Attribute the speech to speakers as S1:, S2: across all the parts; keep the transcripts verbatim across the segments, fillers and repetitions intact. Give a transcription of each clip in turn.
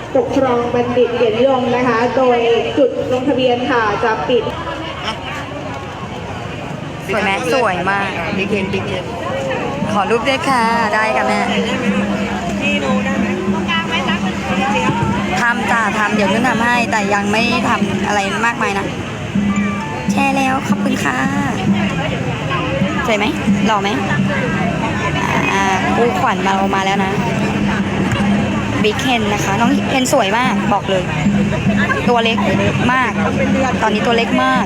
S1: ปกครองบัณฑิตเกียรตินิยมนะคะ โดยจุดลงทะเบียนค่ะจะปิด
S2: สวยไหมสวยมาก
S3: บิ๊กเอ็นบิ๊กเอ็น
S2: ขอรูปด้วยค่ะได้ค่ะแม่
S3: นี่ดูได้ไหมตรงกลางไหมรัก
S2: ทำจ้าทำเดี๋ยวนุ่นทำให้แต่ยังไม่ทำอะไรมากมายนะแชร์แล้วขอบคุณค่ะสวยไหมหล่อไหมอ่าคู่ขวัญมาออกมาแล้วนะบิ๊กเฮนนะคะน้องเฮนสวยมากบอกเลย ตัวเล็กมาก ตอนนี้ตัวเล็กมาก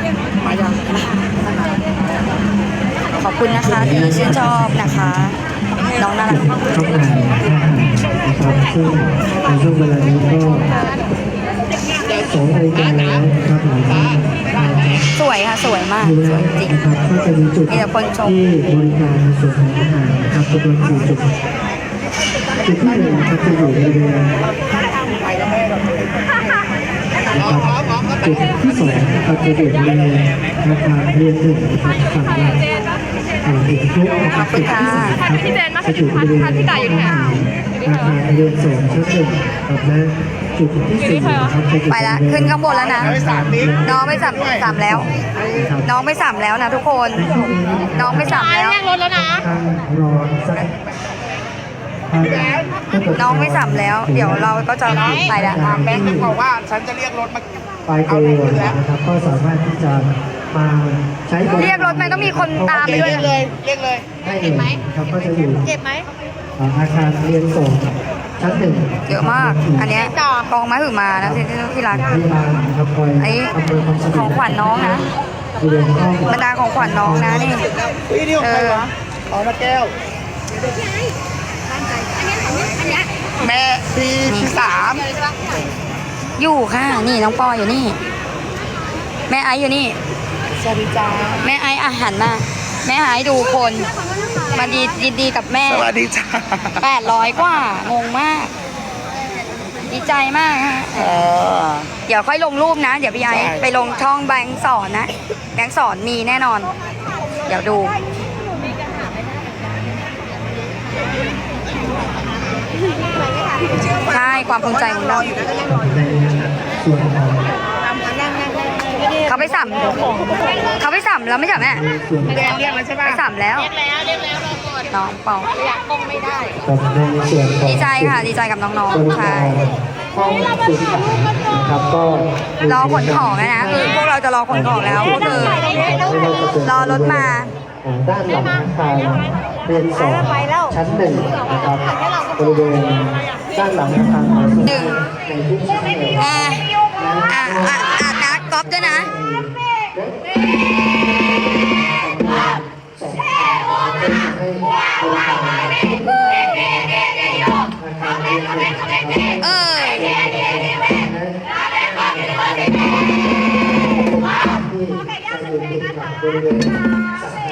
S2: ขอบคุณนะคะที่ชื่นชอบนะคะน้องน่ารัก
S4: เข้ามานะครับซึ่งในช่วงเวลานี้ก็สองนาฬิกาแล้วนะครับหลายท่านนะครับ
S2: สวยค่ะสวยมากสวยจริง
S4: นะครับก็จะมีจุดที่บริการในส่วนของอาหารนะครับจำนวนสี่จุดจุดที่หนึ่งนะครับจะอยู่บริเวณจุดที่สองนะครับจะอยู่บริเวณอาคารเรียนหนึ่งนะครับฝั่งละอ่าอีกทุกนะครับจุดที่สามครับจะอยู่บริเวณอาคารเรียนสองชั้นหนึ่งครับและจุดที่สี่นะครับจะอยู่
S2: ไปละขึ้นข้างบนแล้วนะน้องไม่สัมสามแล้ว น้องไม่สัมแล้วนะทุกคน น้องไม่สัมแล้ว
S1: รถแล้วนะ
S4: รอสัก
S2: น้องไม่สัมแล้ว เดี๋ยวเราก็จะไปแล้ว
S3: แบงค์มันบอกว่าฉันจะเรียกรถมา
S4: ปลายตัวนะครับก็สามารถที่จะมาใช้บริ
S2: เรียกรถไหมต้องมีคนตามไปด้วย
S3: เรียกเลยเรียกเลย
S4: ได้เลยครับก็จะอยู่
S1: เจ็บไหม
S4: อาคารเรียนสองชั้นหนึ่ง
S2: เยอะมาก อันเนี้ยกองมาหือมานะที่ที่รัก
S4: พยาบาลนะครับคอย
S2: อันนี้
S4: อำนวยความสะด
S2: ข
S4: ว
S2: อก งขวัญน้องนะ
S4: บริเวณห้อง
S2: บรรดาของขวัญน้องนะนี่
S3: พี่นี่ของใครวะอ๋อนาแก้วแม่พี่ที่สาม
S2: อยู่ค่ะ นี่น้องปออยู่นี่ แม่ไอซ์อยู่นี่
S3: สวัสดีจ้า
S2: แม่ไอซ์อาหารมาแม่ไอซ์ดูคนมาดียินดีกับแม่
S3: สวัสดีจ้า
S2: แปดร้อยกว่างงมาก ดีใจมากฮะ
S3: เออ
S2: เดี๋ยวค่อยลงรูปนะ เดี๋ยวพี่ไอซ์
S3: ใช่
S2: ไปลงช่องแบงค์สอนนะ แบงค์สอนมีแน่นอน เดี๋ยวดู ใช่ความภูมิใจของเรา
S4: ในส่วนของ
S2: เขาไปสัมเขาไปสัมแล้วไม่ใช่แม่
S4: ส่วน
S3: แดงเรียกแล้วใช่ป่ะ
S2: ไปสัมแล้ว
S1: เรียกแล้วเรียกแล้วรอก่อน
S2: น้องเปา
S1: อยากกงไม่ได้
S4: กับในส่วนของ
S2: ดีใจค่ะ ดีใจกับน้อง
S4: บริ
S2: ๆ ใช่
S4: การห้องสื่อสารนะครับก็
S2: รอขนของนะนะคือพวกเราจะรอขนของแล้วก็คือรอรถมา
S4: อ่าด้านหลังอาคารเรียนสองชั้นหนึ่งนะครับบริเวณด้านหลังอาคารหอสูตรในทุกชั้นเลย
S2: แอร์อ่ะอ่ะอ่ะนะก๊อฟด้วยนะ
S4: สองเป็นให้บริการอาคารเรียนหนึ่งนะครับ
S2: เออ
S4: ที่จะอยู่ติดกับบริเวณสาขา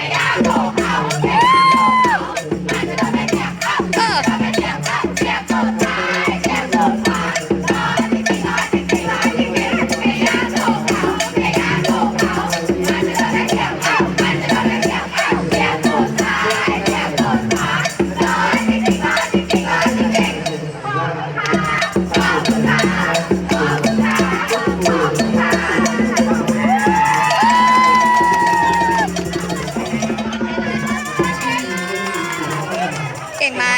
S2: เออ เก่งไหม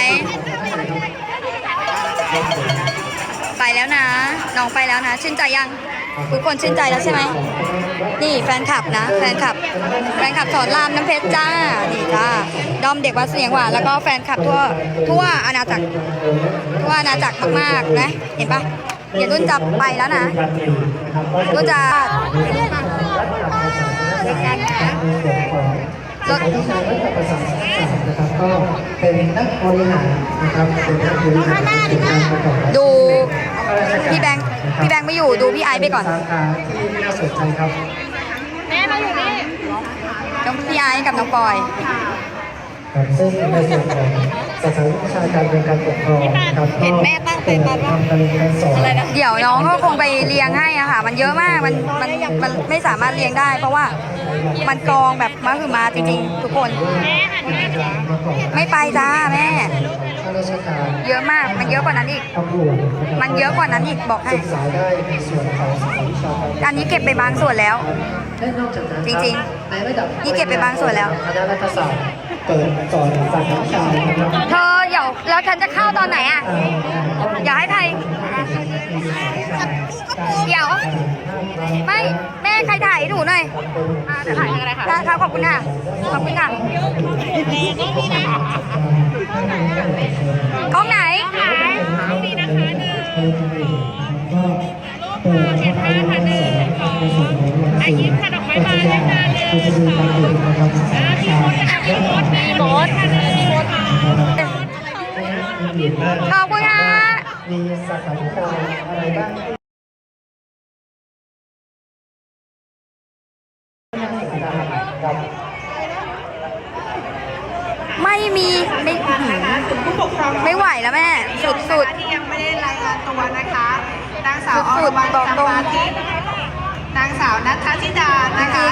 S2: ไปแล้วนะ น้องไปแล้วนะ ชื่นใจยัง ทุกคนชื่นใจแล้วใช่ไหม นี่แฟนคลับนะ แฟนคลับ แฟนคลับสอนรามน้ำเพชรจ้า นี่จ้า ดอมเด็กวัดเสียงหวานแล้วก็แฟนคลับทั่ว ทั่วอาณาจักร ทั่วอาณาจักรมากๆนะ เห็นปะเดี๋ยวนุ่นจะไปแล้วนะ นุ่นจะ
S4: รถวิชารัฐประศาสนศาสตร์นะครับก็เป็นนักบริหารนะครับเป็นนักบริหารกิจการประกอบอาชีพ
S2: ดูพี่แบงค์พี่แบงค์ไม่อยู่ดูพี่ไอซ์ไปก่อน
S4: สาขาที่น่าสนใจครับ
S1: แม่มาอยู่นี่
S2: น้องพี่ไอซ์กับน้องปอย
S4: ครับซึ่งในส่วนของสาขาวิชาการเป็นการปกครองนะครับก็เป็นทำการเรียนการสอน
S2: เดี๋ยวน้องก็คงไปเรียงให้อะค่ะ มันเยอะมาก มันมันมันไม่สามารถเรียงได้ เพราะว่ามันกองแบบมาคือมาจริงๆ ทุกคน ไม่ไปจ้าแม่
S4: ข้าราชการ
S2: เยอะมาก มันเยอะกว่านั้นอีก
S4: ตำรวจ
S2: มันเยอะกว่านั้นอีกบอกให้
S4: ศึกษาได้ในส่วนของสายวิชาการ
S2: อันนี้เก็บไปบางส่วนแล้ว
S4: และนอกจากนั้น
S2: จริงๆ
S4: ในระดับ
S2: นี่เก็บไปบางส่วนแล้ว
S4: คณะรัฐศาสตร์เปิดสอนสายวิชานะครับ
S2: เธอเดี๋ยวแล้วฉันจะเข้าตอนไหนอ่ะ อย่าให้ใคร เดี๋ยว ไม่ แม่ใครถ่ายให้หนูหน่อยจะถ่ายอะไรคะได้ครับขอบคุณค่ะ ขอบคุณค่ะกล้องไหน
S4: อายิ้มค่ะดอกไม้บานเลยค่ะมีมดมีมดมีมด
S2: ขอบคุณค่ะ
S4: มีสาขาวิชาอะไรบ้างครับ
S2: ไม่มีไม่อื้อหือ
S1: ผู้ปกครอง
S2: ไม่ไหวแล้วแม่ สุดสุด
S1: ที่ยังไม่ได้รายงานตัวนะคะนางสาวอ
S2: สุ
S1: ร
S2: ดๆ
S1: วรรณ
S2: บอก
S1: จำ
S2: ตรง
S1: ปาทิพย์นางสาวนัทธิดานะคะ